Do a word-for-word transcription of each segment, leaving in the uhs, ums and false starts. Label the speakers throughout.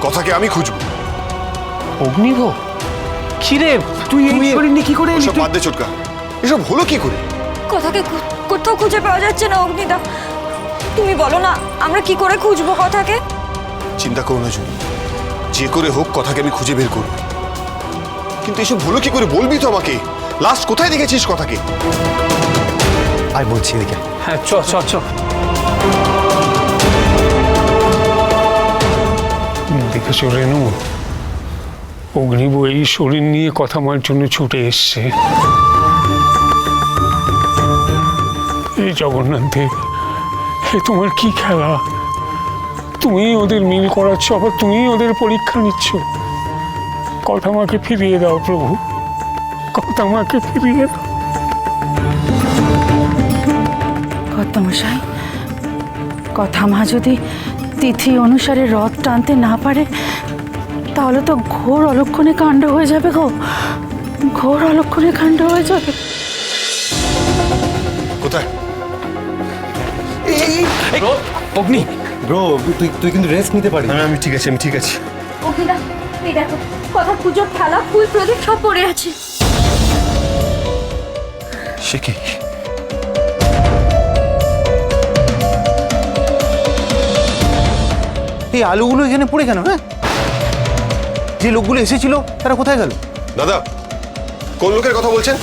Speaker 1: কথাকে আমি খুঁজবো।
Speaker 2: অগ্নিভ, কিরে তুই এই শরীর নিয়ে কি করে এলি?
Speaker 1: সব বাদ দে চটকা, এসব হলো কি করে?
Speaker 3: কথাকে কো- কোথাও খুঁজে পাওয়া যাচ্ছে না অগ্নিদা। তুমি বলো না আমরা কি করে খুঁজবো কথাকে?
Speaker 1: চিন্তা করো না জুনি, যে করে হোক কথাকে আমি খুঁজে বের করব। কিন্তু এসব হলো কি করে বলবি তো আমাকে। লাস্ট কোথায় দেখেছিস কথাকে?
Speaker 2: আয় বলছি এদিকে। হ্যাঁ চ চ চ।
Speaker 4: দেখেছো রেনু, অগ্নিব এই শরীর নিয়ে কথা বলার জন্য ছুটে এসছে। এই জগন্নাথ দেব, এ তোমার কি খেলা? তুমি ওদের মিল করাচ্ছ, আবার তুমি ওদের পরীক্ষা নিচ্ছ। কথা আমাকে ফিরিয়ে দাও প্রভু, কথা আমাকে ফিরিয়ে দাও।
Speaker 5: কর্তামশাই, কথা মা যদি তিথি অনুসারে রথ টানতে না পারে তাহলে তো ঘোর অলক্ষণে কাণ্ড হয়ে যাবে গো, ঘোর অলক্ষণে কাণ্ড হয়ে যাবে।
Speaker 1: কোথায়?
Speaker 2: অগ্নি,
Speaker 6: ব্রো তুই তুই কিন্তু রেস্ট নিতে পারিস।
Speaker 1: আমি আমি ঠিক আছে, আমি ঠিক আছে।
Speaker 3: অগ্নিদা এই দেখো, কথা পুজোর থালা ফুল প্রদীপ সব পড়ে আছে।
Speaker 1: সে কি?
Speaker 6: এই আলুগুলো এখানে পড়ে কেন? হ্যাঁ, যে লোকগুলো এসেছিল তারা কোথায় গেল?
Speaker 1: দাদা, কোন লোকের কথা বলছেন?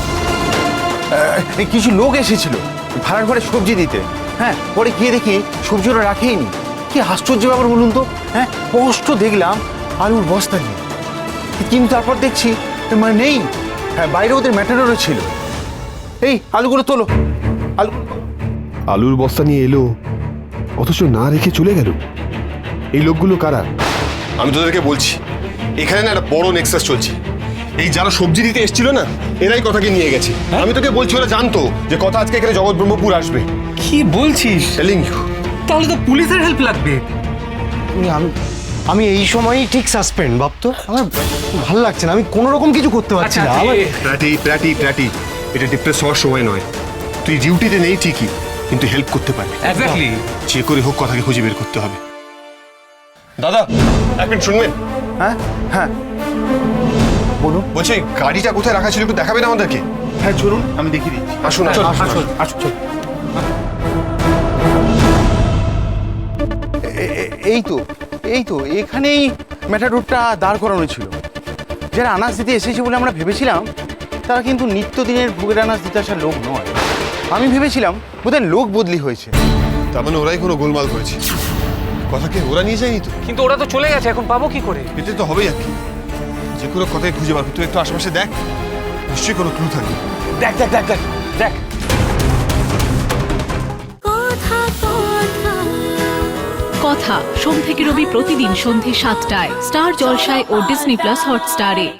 Speaker 6: এই কিছু লোক এসেছিল ভাড়ার ঘরে সবজি দিতে। হ্যাঁ, পরে গিয়ে দেখি সবজি ওরা রাখেইনি। কি আশ্চর্য ব্যাপার বলুন তো। হ্যাঁ, স্পষ্ট দেখলাম আলুর বস্তা নেই, কিন্তু তারপর দেখছি মানে নেই। হ্যাঁ, বাইরে ওদের ম্যাটাডোরও ছিল। এই আলুগুলো তোলো, আলু।
Speaker 7: আলুর বস্তা নিয়ে এলো অথচ না রেখে চলে গেল। এই লোকগুলো কারা?
Speaker 1: আমি তোদেরকে বলছি, এখানে না একটা বড় নেক্সাস চলছে। এই যারা সবজি দিতে এসেছিল না, এরাই কথাকে নিয়ে গেছে। আমি তোকে বলছি, ওরা জানতো যে কথা আজকে এখানে জগৎ ব্রহ্মপুর আসবে।
Speaker 2: কি বলছিস?
Speaker 1: Telling you.
Speaker 2: তাহলে তো পুলিশের হেল্প লাগবে।
Speaker 6: আমি আমি এই সময়ই ঠিক সাসপেন্ড ভাবতো। আমার ভালো লাগছে না, আমি কোনো রকম কিছু করতে পারছি না। আমার
Speaker 1: প্র্যাটি প্র্যাটি প্র্যাটি এটা ডিপ্রেস হওয়ার সময় নয়। তুই ডিউটিতে নেই ঠিকই, কিন্তু হেল্প করতে পারবি।
Speaker 2: এক্স্যাক্টলি।
Speaker 1: যে করে হোক কথাকে খুঁজে বের করতে হবে। দাদা এক মিনিট শুনবেন?
Speaker 6: হ্যাঁ হ্যাঁ বলুন।
Speaker 1: বলছি গাড়িটা কোথায় রাখা ছিল একটু দেখাবেন আমাদেরকে?
Speaker 6: হ্যাঁ চলুন, আমি দেখিয়ে দিচ্ছি।
Speaker 1: আসুন
Speaker 6: আসুন
Speaker 1: আসুন
Speaker 6: আসুন আসুন চল। এ- এ- এই তো এই তো এখানেই ম্যাটাডোরটা দাঁড় করানো ছিল। যারা আনাজ দিতে এসেছে বলে আমরা ভেবেছিলাম, তারা কিন্তু নিত্যদিনের ভোগের আনাজ দিতে আসার লোক নয়। আমি ভেবেছিলাম বোধহয় লোক বদলি হয়েছে।
Speaker 1: তার মানে ওরাই কোনো গোলমাল করেছে। কথাকে ওরা নিয়ে যায়নি তো?
Speaker 2: কিন্তু ওরা তো চলে গেছে, এখন পাবো কি করে?
Speaker 1: এতে তো হবেই আর কি। যে কোনো কথাকে খুঁজে বার তুই একটু আশেপাশে দেখ, নিশ্চয়ই কোনো ক্লু থাকবে।
Speaker 2: দেখ দেখ দেখ দেখ দেখ।
Speaker 8: কথা সোম থেকে রবি প্রতিদিন সন্ধে সাতটায় স্টার জলসায় ও ডিজনি প্লাস হটস্টারে।